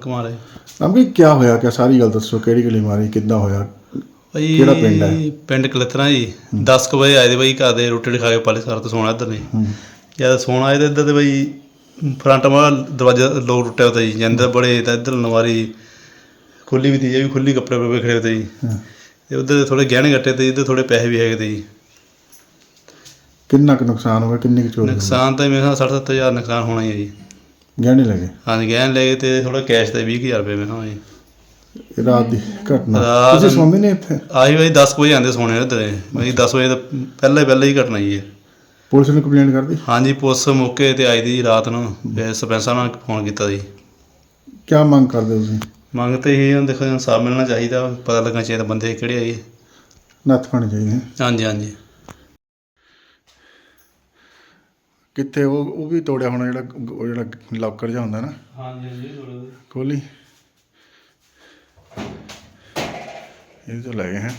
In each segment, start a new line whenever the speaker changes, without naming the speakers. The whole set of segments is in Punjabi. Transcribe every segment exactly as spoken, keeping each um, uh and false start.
कुमार है
अभी क्या होया क्या सारी गल दसो किहड़ी गली मारी किद्दां होया
भाई
ਕਿਹੜਾ ਪਿੰਡ ਹੈ?
ਪਿੰਡ ਕਲਤਰਾ ਜੀ दस ਕੁ ਵਜੇ ਆਏ ਦੇ ਬਾਈ ਘਰ ਦੇ ਰੋਟੀ ਖਾ ਕੇ ਪਾਲੇ ਸਾਰ ਤੋਂ ਸੋਣਾ ਇੱਧਰ ਨੇ ਜਦ ਸੋਣਾ ਆਏ ਤਾਂ ਇੱਧਰ ਦੇ ਬਾਈ ਫਰੰਟ ਵਾਲਾ ਦਰਵਾਜ਼ਾ ਲੋਕ ਟੁੱਟਿਆ ਹੋਤਾ ਜੀ ਜਾਂਦੇ ਬੜੇ ਤਾਂ ਇੱਧਰ ਨਵਾਰੀ ਖੁੱਲੀ ਵੀ ਤੀ ਇਹ ਵੀ ਖੁੱਲੀ ਕੱਪੜੇ ਪੇ ਖੜੇ ਹੋਤੇ ਜੀ ਤੇ ਉੱਧਰ ਦੇ ਥੋੜੇ ਗਹਿਣੇ ਗੱਟੇ ਤੇ ਇੱਧਰ ਥੋੜੇ ਪੈਸੇ ਵੀ ਹੈਗੇ ਤੇ ਜੀ
ਕਿੰਨਾ ਕੁ ਨੁਕਸਾਨ ਹੋ ਗਿਆ ਕਿੰਨੀ ਕੁ ਚੋਰੀ
ਨੁਕਸਾਨ ਤਾਂ ਮੇਰੇ ਖਿਆਲ ਸੱਠ ਸੱਤਰ ਹਜ਼ਾਰ ਨੁਕਸਾਨ ਹੋਣਾ ਹੀ ਹੈ ਜੀ
ਗਹਿਣੇ ਲੱਗੇ
ਹਾਂਜੀ ਗਹਿਣੇ ਲੈ ਗਏ ਤੇ ਥੋੜਾ ਕੈਸ਼ ਤੇ ਵੀਹ ਕੁ ਹਜ਼ਾਰ ਰੁਪਏ ਮੇਰੇ ਖਿਆਲ ਜੀ
ਇਹ ਰਾਤ ਦੀ ਘਟਨਾ
ਰਾਤ
ਤੁਸੀਂ ਸੌਂਦੇ ਨੇ ਇੱਥੇ
ਆਹੀ ਬਾਈ ਦਸ ਕੁ ਵਜੇ ਆਉਂਦੇ ਸੋਣੇ ਇੱਧਰ ਬਾਈ ਦਸ ਵਜੇ ਤਾਂ ਪਹਿਲਾਂ ਹੀ ਪਹਿਲਾਂ ਹੀ ਘਟਨਾ ਜੀ ਇਹ
ਪੁਲਿਸ ਨੂੰ ਕੰਪਲੇਂਟ ਕਰਦੀ
ਹਾਂਜੀ ਪੁਲਿਸ ਮੌਕੇ ਤੇ ਆਈ ਦੀ ਰਾਤ ਨੂੰ ਫਿਰ ਸਰਪੰਚ ਸਾਹਿਬ ਨਾਲ ਫੋਨ ਕੀਤਾ ਜੀ
ਕੀ ਮੰਗ ਕਰਦੇ ਤੁਸੀਂ
ਮੰਗ ਤਾਂ ਇਹ ਹੁਣ ਦੇਖੋ ਇਨਸਾਫ ਮਿਲਣਾ ਚਾਹੀਦਾ ਪਤਾ ਲੱਗਣਾ ਚਾਹੀਦਾ ਬੰਦੇ ਕਿਹੜੇ ਆਏ
ਨੱਥ ਪਾਉਣੀ ਚਾਹੀਦੀ
ਹਾਂਜੀ ਹਾਂਜੀ
ਕਿੱਥੇ ਉਹ ਉਹ ਵੀ ਤੋੜਿਆ ਹੋਣਾ ਜਿਹੜਾ ਉਹ ਜਿਹੜਾ ਲੌਕਰ ਜਿਹਾ ਹੁੰਦਾ ਨਾ
ਹਾਂਜੀ ਹਾਂਜੀ
ਖੋਲੀ ਇਹ ਤਾਂ ਲੈ ਗਏ ਹੈ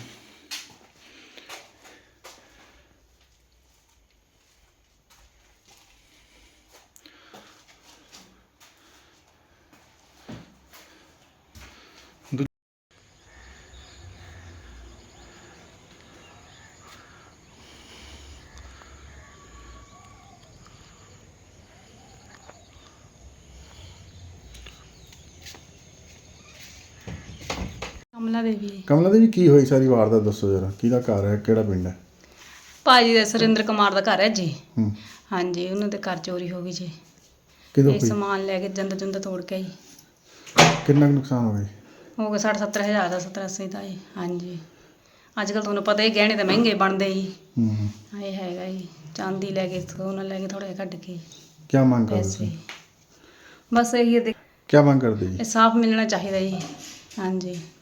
ਕਮਲਾ ਦੇਵੀ
ਕਮਲਾ ਦੇਵੀ ਕੀ ਹੋਈ ਸਾਰੀ ਵਾਰਦਾਤ ਦੱਸੋ ਜਰਾ ਕਿਹਦਾ ਘਰ ਹੈ ਕਿਹੜਾ ਪਿੰਡ ਹੈ
ਭਾਜੀ ਦਾ ਸੁਰਿੰਦਰ ਕੁਮਾਰ ਦਾ ਘਰ ਹੈ ਜੀ
ਹੂੰ
ਹਾਂਜੀ ਉਹਨਾਂ ਦੇ ਘਰ ਚੋਰੀ ਹੋ ਗਈ ਜੀ
ਕਿਦੋਂ
ਇਹ
ਹੋਈ
ਸਮਾਨ ਲੈ ਕੇ ਜੰਦ ਜੁੰਦ ਤੋੜ ਕੇ ਜੀ
ਕਿੰਨਾ ਕੁ ਨੁਕਸਾਨ ਹੋ ਗਿਆ
ਹੋ ਗਿਆ ਸੱਠ ਸੱਤਰ ਹਜ਼ਾਰ ਦਾ ਸੱਤਰ ਅੱਸੀ ਦਾ ਜੀ ਹਾਂਜੀ ਅੱਜ ਕੱਲ੍ਹ ਤੁਹਾਨੂੰ ਪਤਾ ਹੀ ਗਹਿਣੇ ਤਾਂ ਮਹਿੰਗੇ ਬਣਦੇ ਜੀ
ਹੂੰ
ਇਹ ਹੈਗਾ ਜੀ ਚਾਂਦੀ ਲੈ ਕੇ ਸੋਨਾ ਲੈ ਕੇ ਥੋੜ੍ਹਾ ਜਿਹਾ ਕੱਢ ਕੇ
ਕੀ ਮੰਗ ਕਰਦੇ
ਪੈਸੇ
ਤੁਸੀਂ
ਬਸ ਇਹੀ ਹੈ
ਕੀ ਮੰਗ ਕਰਦੇ ਜੀ
ਸਾਫ਼ ਮਿਲਣਾ ਚਾਹੀਦਾ ਜੀ ਹਾਂਜੀ